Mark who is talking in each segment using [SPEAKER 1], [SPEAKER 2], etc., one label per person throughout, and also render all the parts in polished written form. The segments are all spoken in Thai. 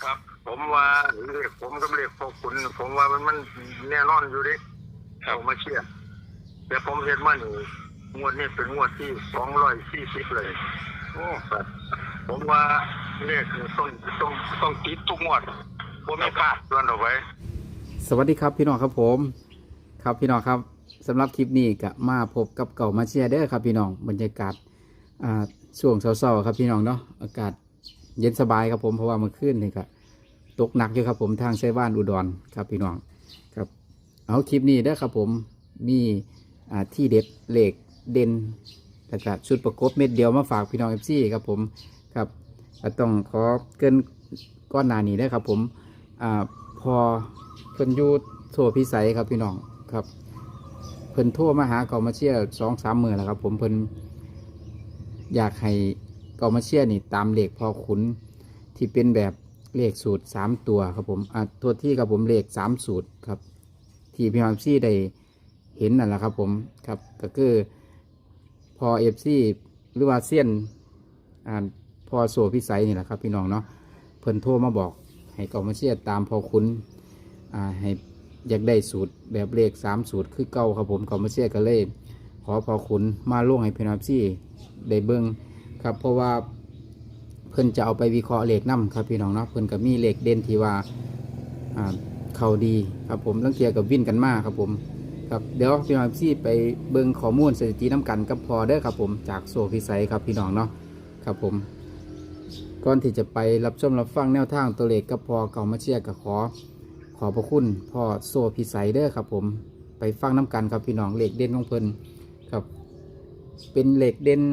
[SPEAKER 1] ครับผมว่าเรียกผมก็เรียกพวกคุณผมว่ามันแน่นอนอยู่ดิเอามาเชื่อแต่ผมเห็นว่านี่งวดนี้เป็นงวดที่240เลยโอ้ครับผมว่าเลขนี่ต้องติดทุกงวดผมไม่พลาดส่วนเอาไว้
[SPEAKER 2] สวัสดีครับพี่น้องครับผมครับพี่น้องครับสำหรับคลิปนี้ก็มาพบกับเก่ามาเชียร์เด้อครับพี่น้องบรรยากาศช่วงเช้าๆครับพี่น้องเนาะอากาศเย็นสบายครับผมเพราะว่าเมื่อคืนนี่ก็ตกหนักอยู่ครับผมทางไชบ้านอุดรครับพี่น้องครับเอาคลิปนี้เด้อครับผมมีที่เด็ดเหล็กเด่นแต่ก็ชุดประกบเม็ดเดียวมาฝากพี่น้องFCครับผมครับก็ต้องขอเกินก้อนหนานี้ได้อครับผมพอเพิ่นอยู่โทรพิสัยครับพี่น้องครับเพิ่นโทรมาหาเก่ามาเชียร์2-3 มื้อแล้วครับผมเพิ่นอยากให้เก่ามาเชียร์นี่ตามเลขพอขุนที่เป็นแบบเลขสูตร3ตัวครับผมตัวที่ครับผมเลข3สูตรครับที่พี่น้องซี่ได้เห็นนั่นแหละครับผมครับก็คือพอFCหรือว่าเซียนพอโซพิสัยนี่แหละครับพี่น้องเนาะเพิ่นโทรมาบอกให้เก่ามาเชียร์ตามพอขุนให้อยากได้สูตรแบบเลข3สูตรคือเก่าครับผมเขามาเชียร์กันเลยขอพอขุนมาล่วงให้พี่น้องซี่ได้เบิ้งครับเพราะว่าเพิ่นจะเอาไปวิเคราะห์เลขนำครับพี่น้องเนาะเพิ่นก็มีเลขเด่นที่ว่าเขาดีครับผมลังเทียกับวิ่นกันมากครับผมครับเดี๋ยวพี่น้องซี่ไปเบิ้งข้อมูลสถิติน้ำกันกับพอเด้อครับผมจากโซพิสัยครับพี่น้องเนาะครับผมก่อนที่จะไปรับชมรับฟังแนวทางตัวเลขกับพอเก่ามาเชียร์กับขอพระคุณพ่อโซพิสัยเด้อครับผมไปฟังน้ำกันครับพี่น้องเลขเด่นของเพิ่นครับเป็นเลขเด่น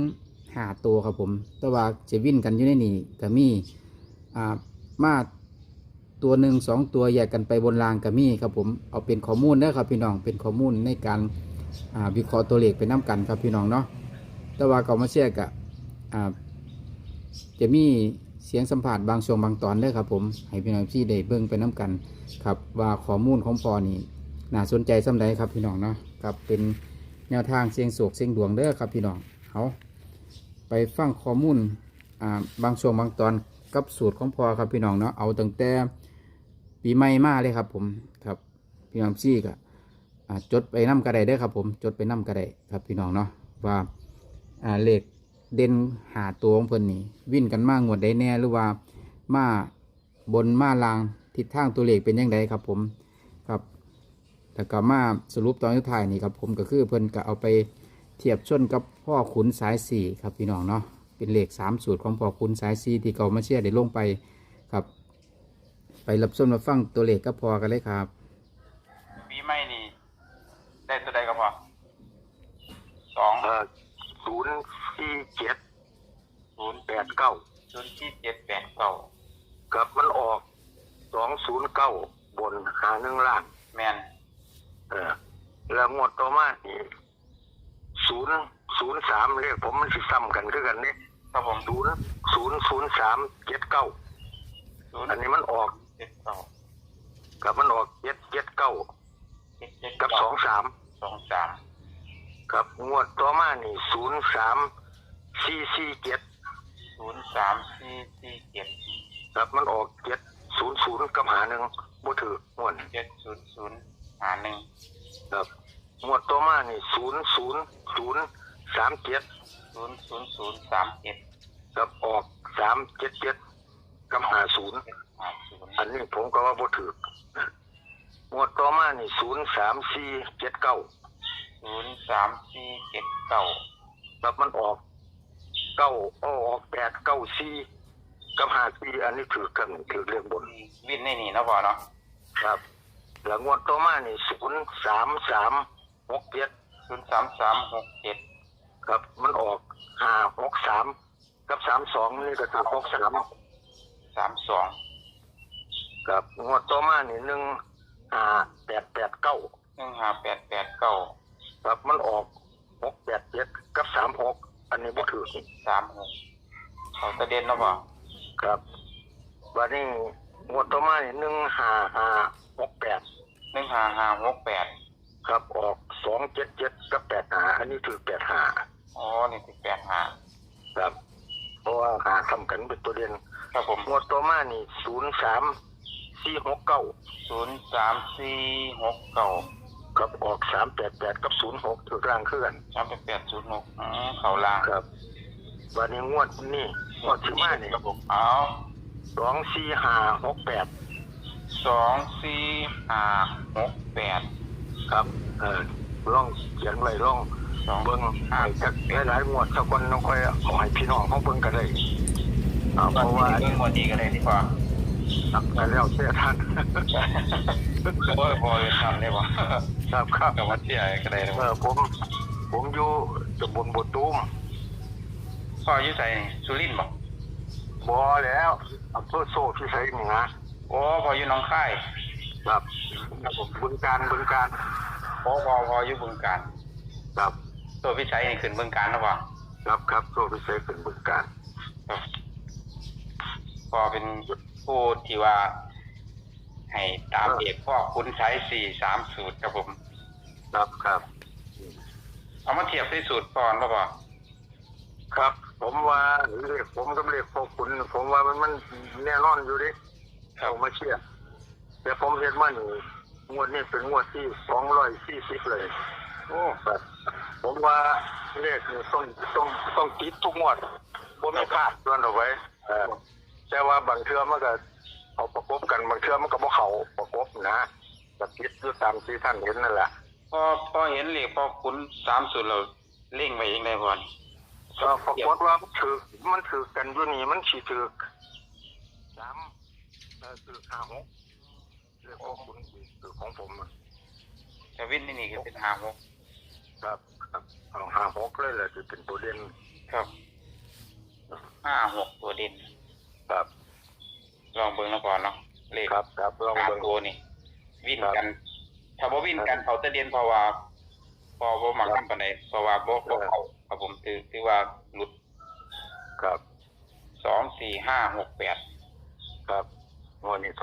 [SPEAKER 2] 5ตัวครับผมแต่ว่าจะวิ่นกันอยู่ในนี่ก็มีมาตัว1 2ตัวแยกกันไปบนรางก็มีครับผมเอาเป็นข้อมูลเด้อครับพี่น้องเป็นข้อมูลในการวิเคราะห์ตัวเลขไปน้ำกันครับพี่น้องเนาะแต่ว่าเก่ามาเชียร์กับจะมีเสียงสัมผัสบางช่วงบางตอนเด้อครับผมให้พี่น้องที่ได้เบิ่งไปน้ำกันครับว่าข้อมูลของพอนี่น่าสนใจสำใดครับพี่น้องเนาะครับเป็นแนวทางเสียงโศกเสียงดวงเด้อครับพี่น้องเอาไปฟังข้อมูลบางช่วงบางตอนกับสูตรของพอครับพี่น้องเนาะเอาตั้งแต่ปีใหม่มาเลยครับผมครับพี่น้องซี่ก็จดไปนำกระไดได้ครับผมจดไปนำกระไดครับพี่น้องเนาะว่าเลขเด่น5ตัวของเพิ่นนี่วิ่นกันมากงวดได้แน่หรือว่ามาบนมาลางทิศทางตัวเลขเป็นยังไงครับผมครับแต่ก็มาสรุปตอนสุดท้ายนี่ครับผมก็คือเพิ่นก็เอาไปเทียบชนกับพ่อขุนสาย4ครับพี่น้องเนาะเป็นเลข3สูตรของพ่อขุนสาย4ที่เก่ามาเชียร์ได้ลงไปครับไปรับชมรับฟังตัวเลขก็พอกันเลยครับ
[SPEAKER 3] ปีใหม่นี่ได้ตัวใดก็พอ
[SPEAKER 1] 047
[SPEAKER 3] 089
[SPEAKER 1] 04789กับมันออก209บน51ล่าง
[SPEAKER 3] แมน
[SPEAKER 1] แล้วงวดต่อมานี่003เลขผมมันสิซ้ำกันคือกันนี่
[SPEAKER 3] ครับผม
[SPEAKER 1] 00379อันนี้มันออก
[SPEAKER 3] 79
[SPEAKER 1] กับมันออก779กับ23กับงวดต่อมานี่03447
[SPEAKER 3] 03447
[SPEAKER 1] ครับมันออก700กับ51บ่ถือม่วน
[SPEAKER 3] 70051
[SPEAKER 1] ครับงวดต่อมานี่00037
[SPEAKER 3] 00037
[SPEAKER 1] กับออก377กับ50อันนี้ผมก็ว่าบ่ถืองวดต่อมานี่03479
[SPEAKER 3] 03479
[SPEAKER 1] ครับมันออก894กับ54อันนี้ถือกันถือเรื่องบน
[SPEAKER 3] วิ่นในนี่นะพอเนาะ
[SPEAKER 1] ครับแล้วงวดต่อมานี่03367ครับมันออก563กับ32นี่ก็ถือ
[SPEAKER 3] 32
[SPEAKER 1] ครับงวดต่อมานี่15889ครับมันออก687กับ36อันนี้บ่ถือ
[SPEAKER 3] 36เขาตะเด่นเนาะบ่
[SPEAKER 1] ครับวันนี้งวดต่อมานี่15568ครับออก277กับ85อันนี้ถือ85
[SPEAKER 3] อ๋อนี่คือ85
[SPEAKER 1] ครับเพราะว่าหาทำกันเป็นตัวเด่น
[SPEAKER 3] ครับผม
[SPEAKER 1] งวดตัวมานี่03469
[SPEAKER 3] 03469
[SPEAKER 1] กับออก388กับ06ถูกร่างเคลื่อน
[SPEAKER 3] 38806เข้าล่าง
[SPEAKER 1] ครับวันนี้งวดนี่งวดที่มานี่
[SPEAKER 3] ครับผมเอา
[SPEAKER 1] 24568
[SPEAKER 3] 24568
[SPEAKER 1] ครับลองเขียนไว้ลองเบิ่งให้จักหลายๆงวดสักคนน้องค่อยเอาให้พี่น้องเขาเบิ่งกันได้เพราะว่า
[SPEAKER 3] เรื่องวันนี้ก็ได้ดีกว่า
[SPEAKER 1] กันแล้วเสียท่าน
[SPEAKER 3] โอ้ยพอจะทำได้ป่ะ
[SPEAKER 1] ครับครับ
[SPEAKER 3] กับวัดที่ไหนก็ได้เลย
[SPEAKER 1] ผมอยู่ตำบลบัวตูม
[SPEAKER 3] พ่ออยู่ใส่สุรินทร์บอก
[SPEAKER 1] บ่แล้วอำเภอโซ่พิสัยนี่นะ
[SPEAKER 3] โอ้พออยู่หน้องค่าย
[SPEAKER 1] ครับบึงการ
[SPEAKER 3] พออยู่บึงการ
[SPEAKER 1] ครับ
[SPEAKER 3] ตัวพิชัยนี่ขึ้นบึงการหรือเปล่า
[SPEAKER 1] ครับโซ่พิสัยเป็นบึงการ
[SPEAKER 3] ครับพอเป็นผู้ที่ว่า ให้ตามเอกพ่อคุณใช้4-3สูตรครับผม
[SPEAKER 1] ครับ
[SPEAKER 3] เอามาเทียบที่สูตรก่อนหรือเปล่า
[SPEAKER 1] ครับผมว่าเลขผมกับเลขพวกคุณผมว่ามันแน่นอนอยู่ดิเอามาเชื่อแต่ผมเห็นว่านี่งวดนี้เป็นงวดที่240เลย
[SPEAKER 3] โอ้
[SPEAKER 1] ครับผมว่าเลขนี่ต้องติดทุกงวดบ่มีพลาดส่วนเอาไว้แต่ว่าบางเทื่อมันก็เอาประกบกันบางเทื่อมันก็บ่เข้าประกบนะก็ติดอยู่ตามที่ท่านเห็นนั่นแหละ
[SPEAKER 3] พอเห็นเลขพอคุณ3สูตรเราเล่งไปเองได้ก่อน
[SPEAKER 1] ก็ปรากฏว่ามันถือกันอยู่นี่มันสิถือถือ56เรื่องของคุณถือของผมอะ
[SPEAKER 3] แต่วินนี่ก็เป็น56
[SPEAKER 1] ครับเอา56เลยแหละที่เป็นตัวเด่น
[SPEAKER 3] ครับ56ตัวเด่น
[SPEAKER 1] ครับ
[SPEAKER 3] ลองเบิ่งแล้วก่อนเนาะเลข
[SPEAKER 1] ครับลอง
[SPEAKER 3] สาม
[SPEAKER 1] เบิ่ง
[SPEAKER 3] ตัวนี่วิ่นกันถ้าบ่วิ่นกันเขาจะเด่นเพราะว่าพอบ่มักนำปานใดเพราะว่าบ่เข้าครับผมถือว่าหลุด
[SPEAKER 1] ครับ
[SPEAKER 3] 24568
[SPEAKER 1] ครับวันนี้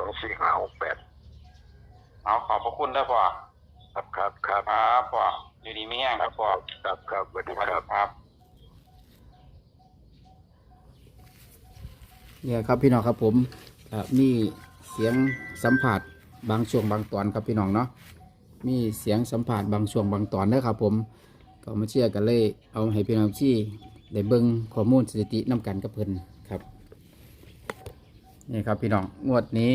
[SPEAKER 1] 24568
[SPEAKER 3] เอาขอบพระคุณเด้อพ่อ
[SPEAKER 1] ครับ
[SPEAKER 3] ครับพ่ออยู่ดีมีแรงครับพ่อ
[SPEAKER 1] ครับสวัสดีครับ
[SPEAKER 3] ครับ
[SPEAKER 2] เนี่ยครับพี่น้องครับผมมีเสียงสัมผัสบางช่วงบางตอนครับพี่น้องเนาะมีเสียงสัมผัสบางช่วงบางตอนเด้อครับผมก็มาเชื่อกันเลยเอาให้พี่น้องที่ได้เบิ่งข้อมูลสถิตินำกันกับเพิ่นครับนี่ครับพี่น้องงวดนี้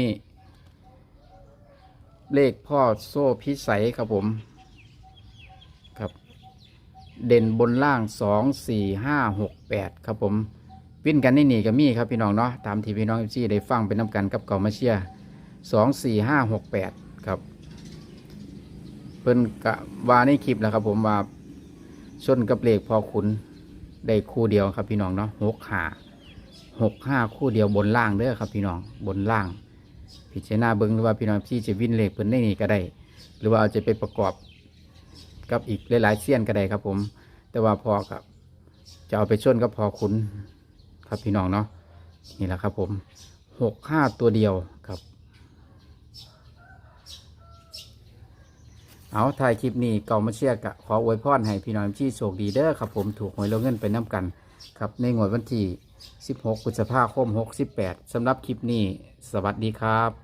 [SPEAKER 2] เลขพ่อโซ่พิสัยครับผมครับเด่นบนล่าง24568ครับผมวิ่นกันนี่ก็มีครับพี่น้องเนาะตามที่พี่น้องที่ได้ฟังเป็นน้ำกันกับเก่ามาเชีย24568ครับเพิ่นกะว่าในคลิปแล้วครับผมว่าชนกับเลขพอขุนได้คู่เดียวครับพี่น้องเนาะ65คู่เดียวบนล่างเด้อครับพี่น้องบนล่างพิจารณาเบิ่งหรือว่าพี่น้องที่จะวิ่นเลขเพิ่นได้นี่ก็ได้หรือว่าเอาจะไปประกอบกับอีกหลายๆเสี้ยนก็ได้ครับผมแต่ว่าพอกับจะเอาไปชนกับพอขุนครับพี่น้องเนาะนี่แหละครับผม65ตัวเดียวครับเอาถ่ายคลิปนี้เก่ามาเชียร์กะขออวยพรให้พี่น้องที่โชคดีเด้อครับผมถูกหวยลงเงินไปน้ำกันครับในงวดวันที่16 พฤษภาคม 68สำหรับคลิปนี้สวัสดีครับ